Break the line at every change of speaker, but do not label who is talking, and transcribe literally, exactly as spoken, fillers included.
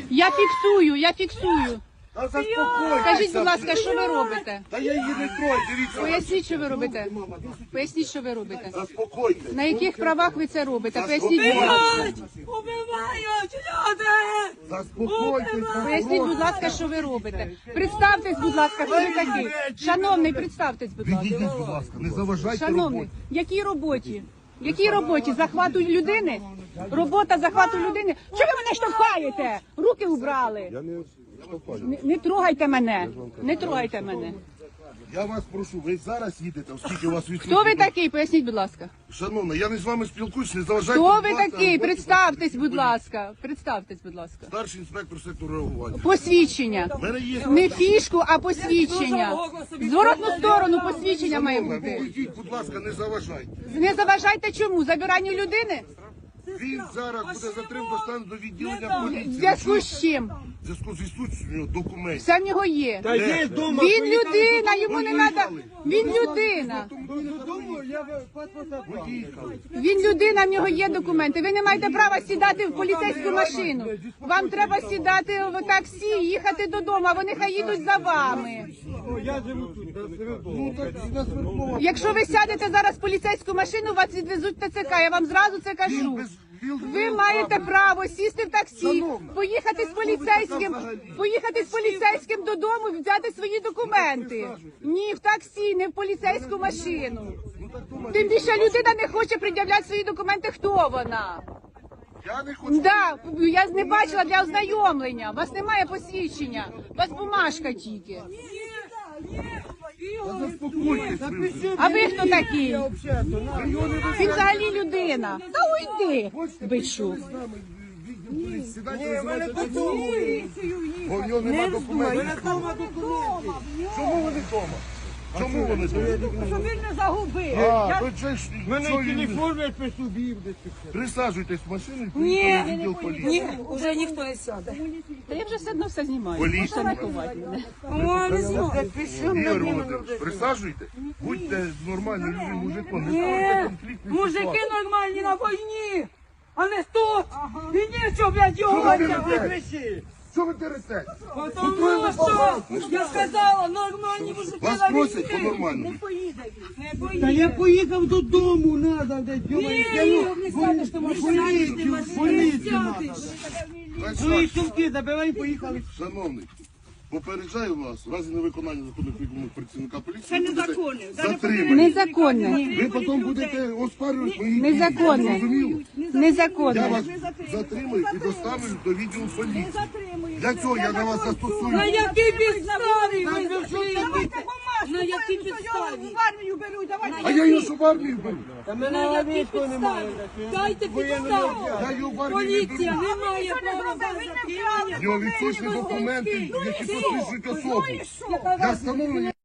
Я фіксую, я фіксую.
Та заспокойтеся.
Скажіть, будь ласка, що ви робите?
Та я її не трою, дивіться.
Поясніть, що ви робите. Поясніть, що ви робите.
Заспокойтеся.
На яких правах ви це робите? Поясніть, будь ласка.
Убивають люди!
Заспокойтеся.
Поясніть, будь ласка, що ви робите. Представтесь, будь ласка, хто ви такий. Шановний, представтесь, будь ласка.
Відійдіть, будь ласка, не заважайте
Шановний,
роботі.
якій роботі? Якій роботі? Захвату людини? Робота захвату людини? Чого ви мене штовхаєте? Руки убрали.
Я не штовхаю.
Не, не трогайте мене. Не трогайте мене.
Я вас прошу, ви зараз їдете, оскільки у вас відсутні.
Хто ви такий? Поясніть, будь ласка.
Шановна, я не з вами спілкуюсь, не заважайте.
Хто
будь
ви
ласка,
такий?
роботі
Представтесь, будь
поліції.
ласка. Представтесь, будь ласка.
Старший інспектор сектору реагування.
Посвідчення.
У мене є...
Не фішку, а посвідчення. В зворотну сторону посвідчення має
Шановна,
бути.
відійдіть, будь ласка, не заважайте.
Не заважайте чому? Забиранню людини?
Він зараз буде затримано, достане до відділення
В
поліції.
зв'язку з чим?
В зв'язку з відсутністю документів.
Все в нього є.
Та є дома.
Він людина, йому не треба. Він людина.
Додому я паспорт забрав.
Поїхали.
Він людина, в нього є документи. Ви не маєте права сідати в поліцейську машину. Вам треба сідати в таксі, їхати додому, а вони хай їдуть за вами.
О, я живу тут, на Свердлова.
Якщо ви сядете зараз в поліцейську машину, вас відвезуть в ТЦК. Я вам зразу це кажу. Ви маєте право сісти в таксі, поїхати з поліцейським, поїхати з поліцейським додому, взяти свої документи. Ні, в таксі, не в поліцейську машину. Тим більше людина не хоче пред'являти свої документи. Хто вона?
Я не хочу.
Да, я не бачила для ознайомлення. У вас немає посвідчення. У вас бумажка тільки.
Заспокойтесь. ви.
А ви хто такий? Він взагалі людина. Та уйди, бичу.
Сідайте, визивайте поліцію. Бо в нього нема документів. Чому вони вдома? Чому вони вдома?
Щоб він не загубив.
А, то це ж...
У мене
що він-
телефон я при собі десь.
Присаджуйтесь в машину і
Ні,
поїхали в відділ поліції.
ні, вже ніхто не сяде.
Та я вже все одно все знімаю.
Поліція.
Можете не ховати мене.
О, не знаю.
Ігор Володимирович, присаджуйте, будьте нормальним людям, мужиком, не
Ні,
ставайте конфліктні
мужики
ситуації.
нормальні на війні, а не тут. І нічого, блядь, його
Що ви
витягнути.
дерете? Що ви дерете?
Тому що, я сказала, нормальні мужики
Вас
на
просять
війні.
по-нормальному.
Не поїде, не
Та
поїде.
я поїхав додому, надо, де
Ні, Ігор, не сядеш, ти можеш сядеш, ти можеш
поліцію
сядеш.
Хай
свої
сядь.
сумки забирай, поїхали.
Шановний, попереджаю вас, в разі невиконання законних вимог працівника поліції,
Це
ви будете
незаконне.
затримані.
Незаконне.
Ви потім будете оспарювати мої дії.
Незаконне.
Зрозуміло? Я
Незаконне.
вас затримую і доставлю до відділу поліції. Для цього я на вас
На
застосую.
якій підставі ви
ви що
затримали?
це
На якій підставі?
В армію беруть, давайте.
А я його що в армію беру?
Та
На
мене
якій
військо немає.
підставі? Дайте
Я
підставу.
його в армію не
Поліція
беру.
не має права вас затримання.
В нього відсутні документи, які посвідчують особу.
Яка
Для
вас
встановлення